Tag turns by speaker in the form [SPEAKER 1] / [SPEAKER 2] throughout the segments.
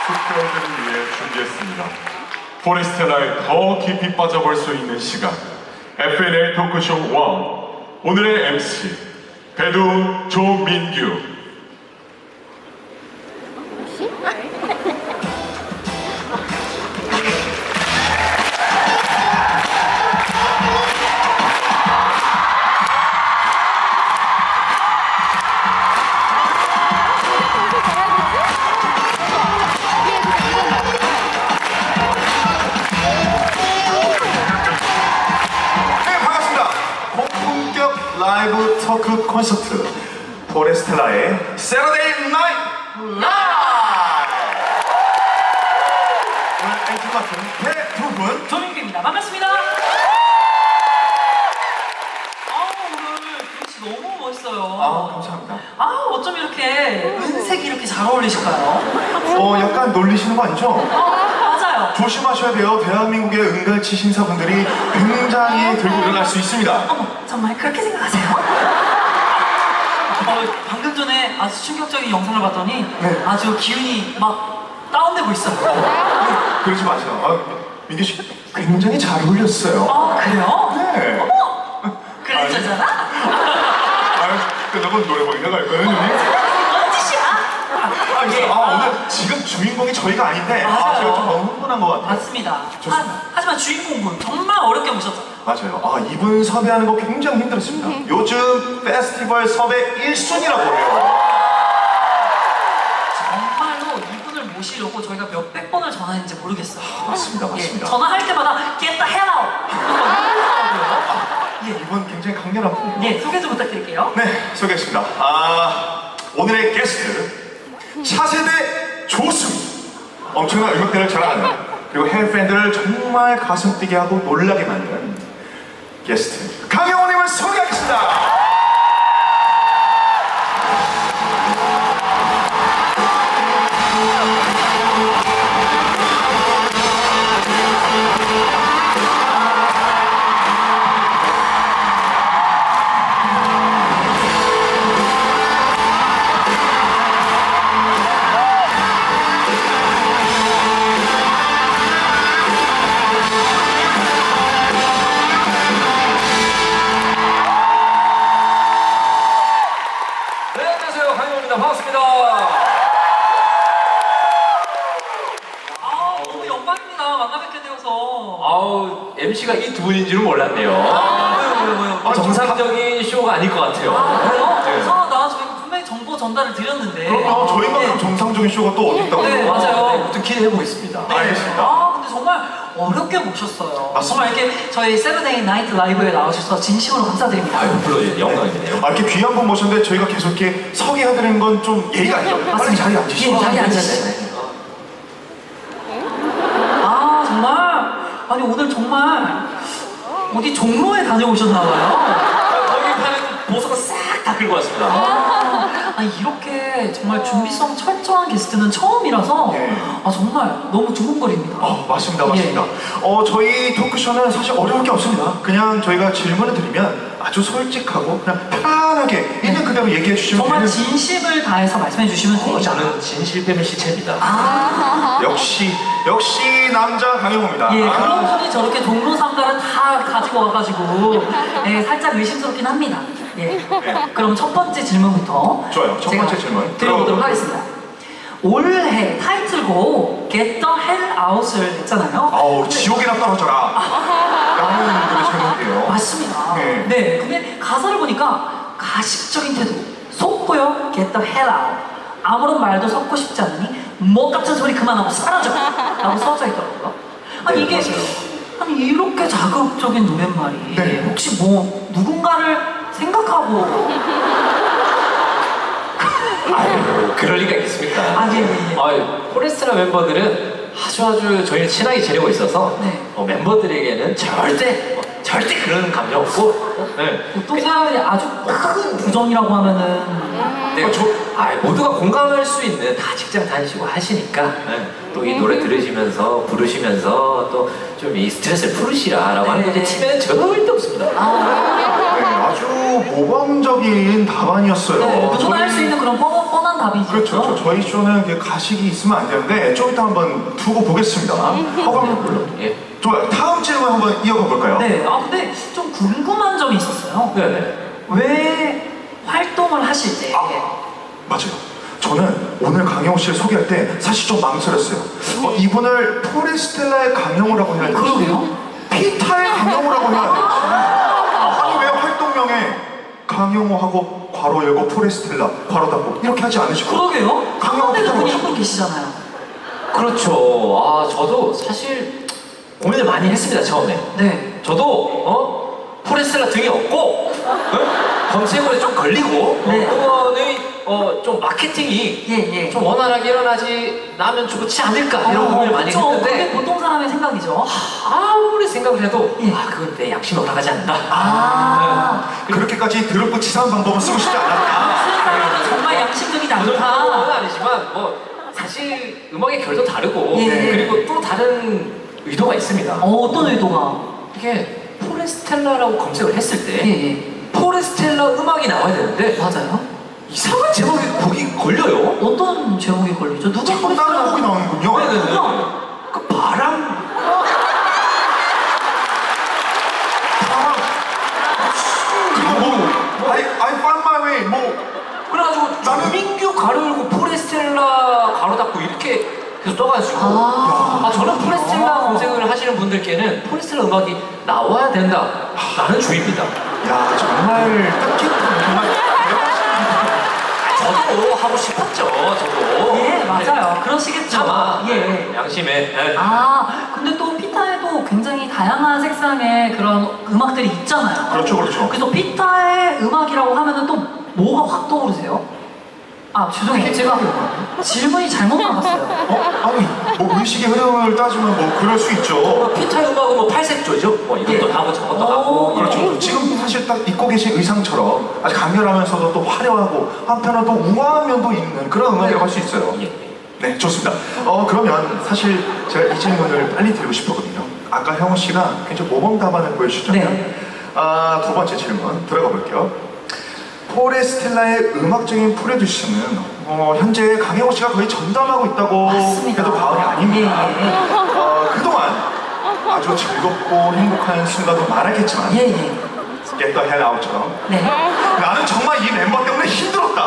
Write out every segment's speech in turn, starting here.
[SPEAKER 1] 숙별들을 위해 준비했습니다. 포레스텔라에 더 깊이 빠져볼 수 있는 시간 FNL 토크쇼 1 오늘의 MC 배두 조민규.
[SPEAKER 2] 라이브 토크 콘서트 포레스텔라의 세러데이 나이트 라이브. 오늘 엔트 맡은 배두분
[SPEAKER 3] 조민규입니다. 반갑습니다. 오늘 김치 너무 멋있어요.
[SPEAKER 2] 감사합니다.
[SPEAKER 3] 어쩜 이렇게 은색이 이렇게 잘 어울리실까요?
[SPEAKER 2] 약간 놀리시는 거 아니죠?
[SPEAKER 3] 맞아요.
[SPEAKER 2] 조심하셔야 돼요. 대한민국의 은갈치 신사분들이 굉장히 들고 일어날 수 있습니다.
[SPEAKER 3] 어머, 정말 그렇게 생각하세요? 방금 전에 아주 충격적인 영상을 봤더니
[SPEAKER 2] 네.
[SPEAKER 3] 아주 기운이 막 다운되고 있어요.
[SPEAKER 2] 그러지 마세요. 민규 씨 굉장히 잘 어울렸어요.
[SPEAKER 3] 그래요?
[SPEAKER 2] 네.
[SPEAKER 3] 어머! 그랬잖아?
[SPEAKER 2] 끝나고 노래방이나 갈까요?
[SPEAKER 3] 뭔 짓이야?
[SPEAKER 2] 오늘 지금 주인공이 저희가 아닌데
[SPEAKER 3] 맞아요.
[SPEAKER 2] 제가 좀 너무 흥분한 것 같아요.
[SPEAKER 3] 맞습니다.
[SPEAKER 2] 좋습니다.
[SPEAKER 3] 하지만 주인공분 정말 어렵게 모셨죠.
[SPEAKER 2] 맞아요. 이분 섭외하는 거 굉장히 힘들었습니다. 요즘 페스티벌 섭외 1순위라고 해요.
[SPEAKER 3] 정말로 이분을 모시려고 저희가 몇백 번을 전화했는지 모르겠어요.
[SPEAKER 2] 맞습니다. 맞습니다.
[SPEAKER 3] 전화할 때마다 Get the hell out!
[SPEAKER 2] 이분 굉장히 강렬한 분.
[SPEAKER 3] 소개 좀 부탁드릴게요.
[SPEAKER 2] 네, 소개했습니다. 오늘의 게스트 차세대 조수. 엄청난 음악들을 자랑하는 그리고 해외 팬들을 정말 가슴 뛰게 하고 놀라게 만든 게스트 강영호님을 소개하겠습니다.
[SPEAKER 4] 반갑습니다.
[SPEAKER 3] 너무 영광입니다. 만나 뵙게 되어서.
[SPEAKER 4] MC가 이 두 분인지는 몰랐네요.
[SPEAKER 3] 왜요?
[SPEAKER 4] 정상적인 쇼가 아닐 것 같아요.
[SPEAKER 3] 그래요?
[SPEAKER 4] 네.
[SPEAKER 3] 이상하다. 저희가 분명히 정보 전달을 드렸는데.
[SPEAKER 2] 그럼요. 저희만큼
[SPEAKER 3] 네.
[SPEAKER 2] 정상적인 쇼가 또 어디 있다고.
[SPEAKER 3] 네, 맞아요.
[SPEAKER 4] 또 기대해보겠습니다.
[SPEAKER 2] 알겠습니다.
[SPEAKER 3] 근데 정말 어렵게 모셨어요.
[SPEAKER 2] 맞습니다.
[SPEAKER 3] 정말 이렇게 저희 세븐데이 나이트 라이브에 나와주셔서 진심으로 감사드립니다.
[SPEAKER 4] 물론 영광이네요.
[SPEAKER 2] 이렇게 귀한 분 모셨는데 저희가 계속 이렇게 소개해드리는 건 좀 예의가 아니죠. 빨리
[SPEAKER 3] 맞습니다.
[SPEAKER 2] 자리에 앉으시죠.
[SPEAKER 3] 자리에 앉으시죠. 정말 오늘 정말 어디 종로에 다녀오셨나봐요.
[SPEAKER 4] 거기 파는 보석을 싹 다 긁고 왔습니다.
[SPEAKER 3] 이렇게 정말 준비성 철저한 게스트는 처음이라서
[SPEAKER 2] 예.
[SPEAKER 3] 정말 너무 두근거립니다.
[SPEAKER 2] 맞습니다. 맞습니다. 저희 토크쇼는 사실 어려울 게 없습니다. 그냥 저희가 질문을 드리면 아주 솔직하고 그냥 편하게 있는 그대로 얘기해 주시면
[SPEAKER 3] 정말
[SPEAKER 2] 되는.
[SPEAKER 3] 진심을 다해서 말씀해 주시면 됩니다.
[SPEAKER 4] 저는 진실 빼면 시체입니다.
[SPEAKER 2] 역시 남자 강영호입니다.
[SPEAKER 3] 그런 분이 저렇게 종로 상가를 다 가지고 와가지고 살짝 의심스럽긴 합니다. 그럼 첫 번째 질문부터
[SPEAKER 2] 좋아요. 첫 번째
[SPEAKER 3] 제가
[SPEAKER 2] 질문
[SPEAKER 3] 드려보도록 하겠습니다. 올해 타이틀곡 Get the Hell Out을 했잖아요.
[SPEAKER 2] 지옥이나 떨어져라 라는 노래 제목이에요.
[SPEAKER 3] 맞습니다.
[SPEAKER 2] 네.
[SPEAKER 3] 근데 가사를 보니까 가식적인 태도, 속고요, Get the Hell Out. 아무런 말도 섞고 싶지 않으니 뭐 같은 소리 그만하고 사라져! 라고 써져 있더라고요. 이게 이렇게 자극적인 노랫말이
[SPEAKER 2] 네.
[SPEAKER 3] 혹시 뭐 누군가를 생각하고
[SPEAKER 4] 그럴 리가 있겠습니까?
[SPEAKER 3] 예.
[SPEAKER 4] 포레스트라 멤버들은 아주 저희를 친하게 지내고 있어서 멤버들에게는 절대 그런 감정 없고
[SPEAKER 3] 보통 사람들이 아주 큰 부정이라고 하면은
[SPEAKER 4] 모두가 공감할 수 있는 다 직장 다니시고 하시니까 또 이 노래 들으시면서 부르시면서 또 좀 이 스트레스를 풀으시라라고 하는 건데 치매는 절대 없습니다.
[SPEAKER 2] 아주 모범적인 답안이었어요.
[SPEAKER 3] 누구나 할 수 있는 그런 뻔한 답이죠.
[SPEAKER 2] 그렇죠. 저희 쇼는 이게 가식이 있으면 안 되는데 좀 이따 한번 두고 보겠습니다. 허가만 불러.
[SPEAKER 4] 예.
[SPEAKER 2] 좋아요. 다음 질문 한번 이어가 볼까요?
[SPEAKER 3] 네, 아 근데 좀 궁금한 점이 있었어요.
[SPEAKER 4] 네네.
[SPEAKER 3] 왜 활동을 하실 때
[SPEAKER 2] 맞아요. 저는 오늘 강영호 씨를 소개할 때 사실 좀 망설였어요. 이분을 포레스텔라의 강영호라고 해야 될지,
[SPEAKER 3] 그러게요.
[SPEAKER 2] 피타의 강영호라고 해야 될지. 아니 왜 활동명에 강영호하고 괄호 열고 포레스텔라 괄호 닫고 이렇게 하지 않으시고?
[SPEAKER 3] 그러게요.
[SPEAKER 2] 강영호
[SPEAKER 3] 가운데
[SPEAKER 2] 피타라고
[SPEAKER 3] 분이
[SPEAKER 2] 하시고.
[SPEAKER 3] 한 분 계시잖아요.
[SPEAKER 4] 그렇죠. 아, 저도 사실 고민을 많이 했습니다, 처음에.
[SPEAKER 3] 네.
[SPEAKER 4] 저도, 포레스텔라 등이 없고, 검색어에 좀 걸리고,
[SPEAKER 3] 네.
[SPEAKER 4] 그거는, 좀 마케팅이
[SPEAKER 3] 예.
[SPEAKER 4] 좀 원활하게 일어나지 나면 좋지 않을까, 이런 고민을 많이
[SPEAKER 3] 그쵸. 그게
[SPEAKER 4] 했는데,
[SPEAKER 3] 보통 사람의 생각이죠.
[SPEAKER 4] 아무리 생각을 해도,
[SPEAKER 3] 예.
[SPEAKER 4] 그건 내 양심이 올라가지 않는다.
[SPEAKER 3] 아,
[SPEAKER 2] 그렇게까지 더럽고 치사한 방법은 쓰고 싶지 않았다.
[SPEAKER 3] 무슨 사람은 정말 양심적이지
[SPEAKER 4] 그 정도는
[SPEAKER 3] 않다.
[SPEAKER 4] 아니지만, 사실 음악의 결도 다르고,
[SPEAKER 3] 예.
[SPEAKER 4] 그리고 또 다른 의도가 있습니다.
[SPEAKER 3] 어떤 의도가?
[SPEAKER 4] 이게 포레스텔라라고 검색을 했을 때,
[SPEAKER 3] 예.
[SPEAKER 4] 포레스텔라 음악이 나와야 되는데
[SPEAKER 3] 맞아요.
[SPEAKER 4] 이상한 제목이 곡이 걸려요.
[SPEAKER 3] 어떤 제목이 걸리죠? 누가
[SPEAKER 2] 자꾸 다른 곡이 나오는군요.
[SPEAKER 4] 네네네. 그 바람.
[SPEAKER 2] 그리고 뭐 I find my way 뭐
[SPEAKER 4] 그래가지고 민규 가로 열고 포레스텔라 가로 닫고 이렇게 계속 떠가지고 저는 포레스텔라 검색을 하시는 분들께는 포레스텔라 음악이 나와야 된다라는 주의입니다.
[SPEAKER 2] 야 정말 뜻깊은 정말
[SPEAKER 4] 저도 하고 싶었죠. 저도.
[SPEAKER 3] 예, 맞아요. 그러시겠죠.
[SPEAKER 4] 차마
[SPEAKER 3] 예.
[SPEAKER 4] 양심에. 예.
[SPEAKER 3] 근데 또 피타에도 굉장히 다양한 색상의 그런 음악들이 있잖아요.
[SPEAKER 2] 그렇죠.
[SPEAKER 3] 그래서 피타의 음악이라고 하면은 또 뭐가 확 떠오르세요? 죄송해요. 제가 질문이 잘못 나갔어요.
[SPEAKER 2] 아니 뭐 의식의 흐름을 따지면 뭐 그럴 수 있죠.
[SPEAKER 4] 피타 음악은 뭐 팔색조죠. 뭐 이것도
[SPEAKER 3] 예.
[SPEAKER 4] 하고 저것도 하고.
[SPEAKER 2] 그렇죠. 지금 사실 딱 입고 계신 의상처럼 아주 강렬하면서도 또 화려하고 한편으로 또 우아한 면도 있는 그런 음악이라고 할 수 있어요.
[SPEAKER 4] 예.
[SPEAKER 2] 네, 좋습니다. 그러면 사실 제가 이 질문을 빨리 드리고 싶었거든요. 아까 형우 씨가 굉장히 모범 답안을 보여주셨잖아요.
[SPEAKER 3] 네.
[SPEAKER 2] 두 번째 질문 들어가 볼게요. 포레스텔라의 음악적인 프로듀싱은 현재 강영호 씨가 거의 전담하고 있다고
[SPEAKER 3] 맞습니다.
[SPEAKER 2] 해도 과언이 아닙니다.
[SPEAKER 3] 예.
[SPEAKER 2] 그동안 아주 즐겁고 행복한 순간도 많았겠지만
[SPEAKER 3] 예.
[SPEAKER 2] Get the hell out처럼
[SPEAKER 3] 네.
[SPEAKER 2] 나는 정말 이 멤버 때문에 힘들었다.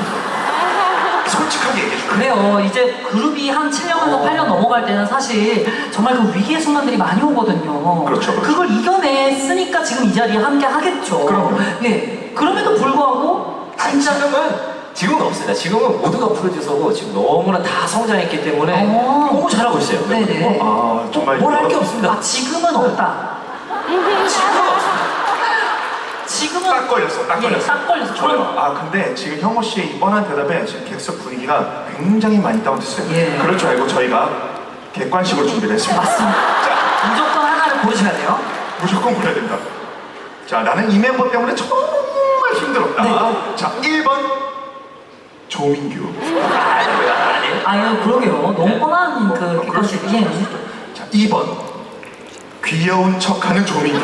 [SPEAKER 2] 솔직하게 얘기해 줄게요.
[SPEAKER 3] 그래요. 이제 그룹이 한 7년에서 8년 넘어갈 때는 사실 정말 그 위기의 순간들이 많이 오거든요.
[SPEAKER 2] 그렇죠.
[SPEAKER 3] 그걸 이겨냈으니까 지금 이 자리에 함께 하겠죠.
[SPEAKER 2] 그럼요.
[SPEAKER 3] 예. 그럼에도 불구하고 진짜
[SPEAKER 4] 지금은 없습니다. 지금은 모두가 프로듀서고 지금 너무나 다 성장했기 때문에 너무 잘하고 있어요.
[SPEAKER 3] 네네.
[SPEAKER 2] 정말
[SPEAKER 4] 뭘 할 게 없습니다.
[SPEAKER 3] 지금은 없다.
[SPEAKER 4] 지금은 없습니다.
[SPEAKER 3] 지금은
[SPEAKER 2] 딱 걸렸어. 딱
[SPEAKER 3] 예,
[SPEAKER 2] 걸렸어.
[SPEAKER 3] 딱 걸렸어.
[SPEAKER 2] 좋아요. 근데 지금 형호 씨의 이 뻔한 대답에 지금 객석 분위기가 굉장히 많이 다운됐어요.
[SPEAKER 3] 예.
[SPEAKER 2] 그럴 줄 알고 저희가 객관식으로 준비를 했습니다.
[SPEAKER 3] 맞습니다.
[SPEAKER 2] 자,
[SPEAKER 3] 무조건 하나를 고르셔야 돼요.
[SPEAKER 2] 무조건 골라야 됩니다. 자, 나는 이 멤버 때문에 정말 힘들었다.
[SPEAKER 3] 네.
[SPEAKER 2] 자, 1번 조민규.
[SPEAKER 3] 아유, 그러게요. 너무 뻔한 그
[SPEAKER 2] 그럴 수
[SPEAKER 3] 객관식. 예.
[SPEAKER 2] 자, 2번 귀여운 척하는 조민규.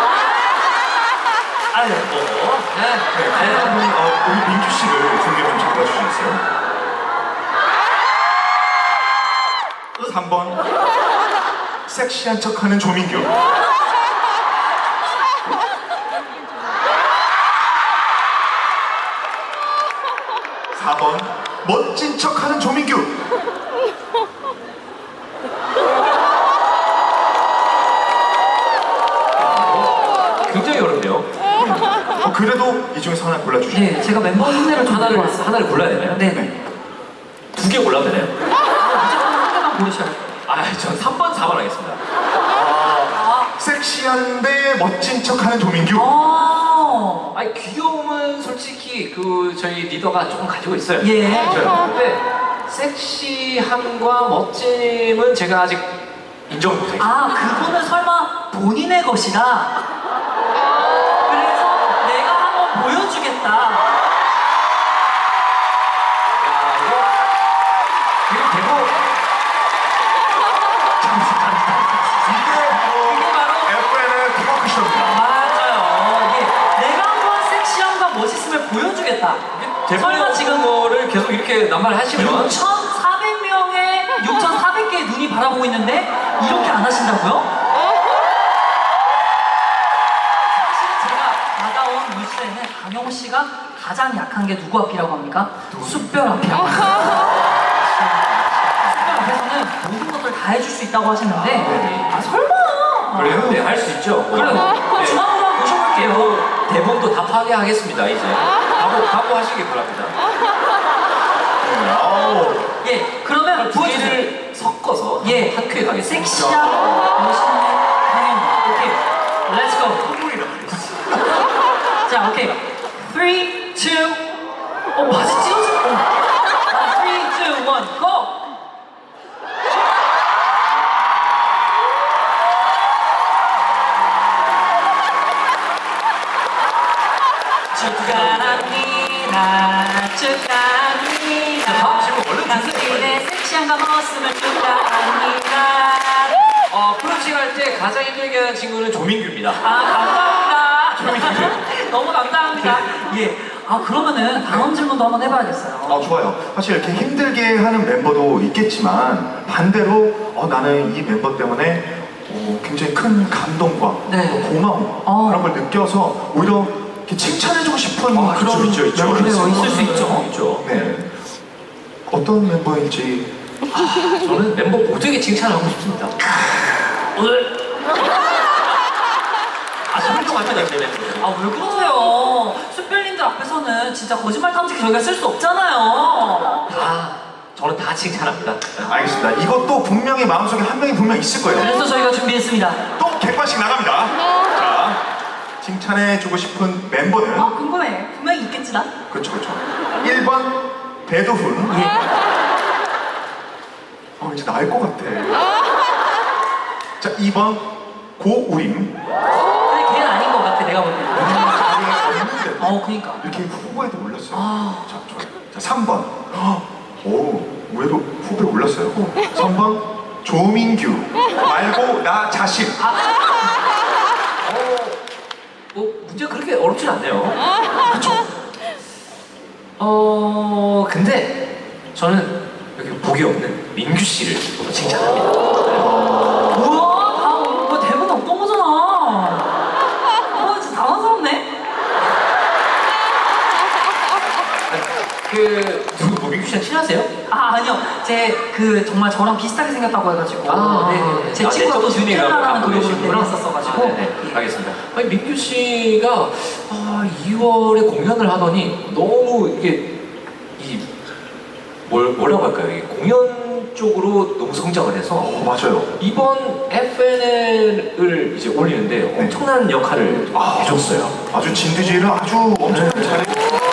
[SPEAKER 4] 아유,
[SPEAKER 2] 네, 한분 우리 민규 씨를 중계 좀 잡아주시겠어요? 3번 섹시한 척하는 조민규. 4번 멋진 척하는 조민규.
[SPEAKER 4] 굉장히 어렵네요.
[SPEAKER 2] 그래도 이 중에서 하나 골라주시죠.
[SPEAKER 3] 네, 제가 멤버 흉내를 좀
[SPEAKER 4] 하나를 골라야 되나요?
[SPEAKER 3] 네.
[SPEAKER 4] 두 개 골라도 되나요?
[SPEAKER 3] 무조건 한 개만 고르셔야 돼요.
[SPEAKER 4] 전 3번, 4번 하겠습니다.
[SPEAKER 2] 섹시한데 멋진 척하는 조민규.
[SPEAKER 4] 귀여움은 솔직히 저희 리더가 조금 가지고 있어요.
[SPEAKER 3] 예.
[SPEAKER 4] 근데 섹시함과 멋짐은 제가 아직 인정 못해요.
[SPEAKER 3] 그거는 설마 본인의 것이다. 그래서 내가 한번 보여주겠다.
[SPEAKER 4] 그리고 대부
[SPEAKER 2] 이게 바로 FN의 토크쇼입니다.
[SPEAKER 3] 맞아요. 예. 내가 한번 섹시함과 멋있음을 보여주겠다. 모르겠다. 설마 지금
[SPEAKER 4] 거를 계속 이렇게 낱말하시면
[SPEAKER 3] 6,400명의 6,400개의 눈이 바라보고 있는데 이렇게 안 하신다고요? 사실 제가 받아온 뉴스에는 강영호 씨가 가장 약한 게 누구 앞이라고 합니까? 숯별 앞이라고 합니다. 숯별 앞에서는 모든 것들 다 해줄 수 있다고 하시는데 아 설마
[SPEAKER 4] 그래요? 네, 할 수 있죠.
[SPEAKER 3] 그래요?
[SPEAKER 4] 네.
[SPEAKER 3] 중앙으로 한번 모셔볼게요.
[SPEAKER 4] 대본도 다 파괴하겠습니다, 이제. 각오하시기 바랍니다.
[SPEAKER 3] 예, 그러면
[SPEAKER 4] 두
[SPEAKER 3] 보여주세요.
[SPEAKER 4] 개를 섞어서
[SPEAKER 3] 예,
[SPEAKER 4] 한 큐에 가겠습니다.
[SPEAKER 3] 섹시하고 멋있는 강현. 오케이, 렛츠 고. 자, 오케이. 3, 2, 바지 찢어져. 3, 2, 1, 고! 축하합니다. 축하합니다.
[SPEAKER 4] 다음 질문 얼른 주세요.
[SPEAKER 3] 당신의 섹시함과 멋있음을 축하합니다.
[SPEAKER 4] 프로칭 할 때 가장 힘들게 하는 친구는 조민규입니다.
[SPEAKER 3] 아, 감사합니다. 너무 감사합니다. 예. 아, 그러면은 다음 질문도 한번 해봐야겠어요.
[SPEAKER 2] 좋아요. 사실 이렇게 힘들게 하는 멤버도 있겠지만 반대로 나는 이 멤버 때문에 굉장히 큰 감동과
[SPEAKER 3] 네.
[SPEAKER 2] 또 고마움 그런 걸 느껴서 오히려 이렇게 칭찬해주고 싶은 그런
[SPEAKER 4] 있죠.
[SPEAKER 2] 멤버가
[SPEAKER 3] 그래요.
[SPEAKER 2] 있어요.
[SPEAKER 3] 있을 수 있죠.
[SPEAKER 4] 있죠.
[SPEAKER 2] 네. 어떤 멤버인지
[SPEAKER 4] 저는 멤버 모두에게 칭찬하고 싶습니다. 오늘 훌륭합니다, 제 멤버.
[SPEAKER 3] 아, 왜 그러세요? 숯별님들 앞에서는 진짜 거짓말 탐지기 저희가 쓸 수 없잖아요.
[SPEAKER 4] 저는 다 칭찬합니다.
[SPEAKER 2] 알겠습니다. 이것도 분명히 마음속에 한 명이 분명 있을 거예요.
[SPEAKER 3] 그래서 저희가 준비했습니다.
[SPEAKER 2] 또 100번씩 나갑니다. 자, 칭찬해주고 싶은 멤버는
[SPEAKER 3] 궁금해. 분명히 있겠지, 나?
[SPEAKER 2] 그렇죠. 1번 배두훈.
[SPEAKER 3] 예.
[SPEAKER 2] 이제 나을 것 같아. 자, 2번 고우림.
[SPEAKER 3] 근데 걔는 아닌 것 같아, 내가 볼 때는.
[SPEAKER 2] 없는데
[SPEAKER 3] 그니까.
[SPEAKER 2] 이렇게 후보에도 올랐어요.
[SPEAKER 3] 아.
[SPEAKER 2] 자, 좋아요. 자, 3번. 의외로 후보에 올랐어요. 3번 조민규 말고 나 자신.
[SPEAKER 4] 문제가 그렇게 어렵진 않네요. 그렇죠. 근데 저는 여기 복이 없는 민규 씨를 칭찬합니다.
[SPEAKER 3] 우와, 뭐 대본 없던 거잖아. 진짜 당황스럽네.
[SPEAKER 4] 누구 민규 씨랑 친하세요?
[SPEAKER 3] 아니요. 정말 저랑 비슷하게 생겼다고 해가지고. 네. 제 친구가 또 뉴텔라라는 그룹을 했었어가지고.
[SPEAKER 4] 네, 알겠습니다. 아니, 민규 씨가 2월에 공연을 하더니 너무 이게 뭐라고 할까요? 이 공연 쪽으로 너무 성장을 해서
[SPEAKER 2] 맞아요.
[SPEAKER 4] 이번 FNL을 이제 올리는데 엄청난 역할을 해줬어요.
[SPEAKER 2] 아주 진드지를 아주 엄청나게 잘해줬어요.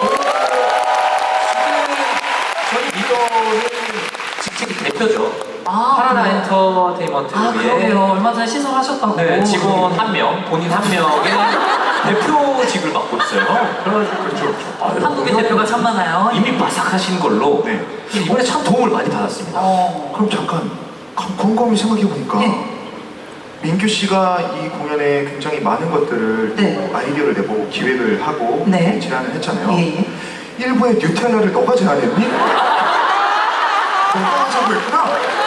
[SPEAKER 4] 저희 리더는 직책이 대표죠.
[SPEAKER 3] 아,
[SPEAKER 4] 파라다
[SPEAKER 3] 그래요?
[SPEAKER 4] 엔터테인먼트의
[SPEAKER 3] 그러게요. 얼마 전에 신설하셨다고.
[SPEAKER 4] 네, 직원 한 명, 본인 한 명의 대표직을 맡고 있어요. 그렇죠.
[SPEAKER 3] 한국의 대표가 참 많아요.
[SPEAKER 4] 이미 바삭하신 걸로
[SPEAKER 2] 네.
[SPEAKER 4] 이번에 참 도움을 많이 받았습니다.
[SPEAKER 2] 그럼 잠깐 곰곰이 생각해보니까 민규 씨가 이 공연에 굉장히 많은 것들을
[SPEAKER 3] 네.
[SPEAKER 2] 아이디어를 내보고 기획을 하고
[SPEAKER 3] 네.
[SPEAKER 2] 제안을 했잖아요.
[SPEAKER 3] 예.
[SPEAKER 2] 일부의 뉴텔라를 너가 제안했니? 너가 하자고 했구나?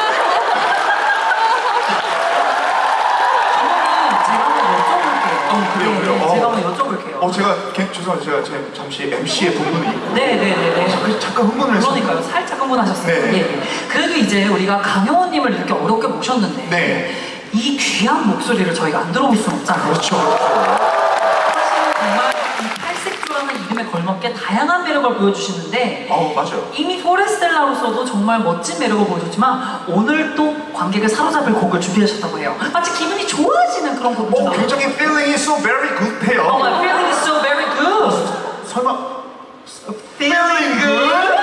[SPEAKER 3] 그러면 제가 한번 여쭤볼게요.
[SPEAKER 2] 그래요?
[SPEAKER 3] 제가 한번 여쭤볼게요.
[SPEAKER 2] 죄송합니다. 제가 잠시 MC의 부분이 있고
[SPEAKER 3] 네네네네.
[SPEAKER 2] 잠깐 흥분을 했어요.
[SPEAKER 3] 그러니까요. 살짝 흥분하셨어요.
[SPEAKER 2] 네.
[SPEAKER 3] 예. 그래도 이제 우리가 강영호님을 이렇게 어렵게 모셨는데
[SPEAKER 2] 네.
[SPEAKER 3] 이 귀한 목소리를 저희가 안 들어볼 수는 없잖아요.
[SPEAKER 2] 그렇죠.
[SPEAKER 3] 사실 정말 이 팔색조라는 이름에 걸맞게 다양한 매력을 보여주시는데
[SPEAKER 2] 맞아요.
[SPEAKER 3] 이미 포레스텔라로서도 정말 멋진 매력을 보여줬지만 오늘 또 관객을 사로잡을 곡을 준비하셨다고 해요. 마치 기분이 좋아지는 그런 곡을
[SPEAKER 2] 굉장히 feeling is so very good 해요.
[SPEAKER 3] Oh, my feeling is so very good.
[SPEAKER 2] 설마 feeling good?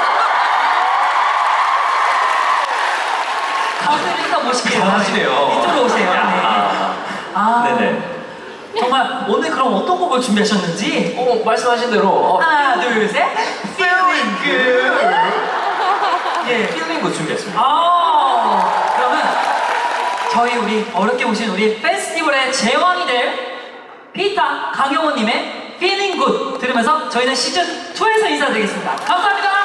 [SPEAKER 3] 가운데 일단 모실게요.
[SPEAKER 4] 잘하시네요.
[SPEAKER 3] 이쪽으로 오세요.
[SPEAKER 4] 네네.
[SPEAKER 3] 정말 오늘 그럼 어떤 곡을 준비하셨는지
[SPEAKER 4] 말씀하신 대로
[SPEAKER 3] 하나, 둘, 셋.
[SPEAKER 2] feeling good.
[SPEAKER 3] 예.
[SPEAKER 4] 필링 굿 준비했습니다.
[SPEAKER 3] 그러면 저희 우리 어렵게 오신 우리 페스티벌의 제왕이 될 피타 강영호님의 Feeling Good 들으면서 저희는 시즌 2에서 인사드리겠습니다. 감사합니다.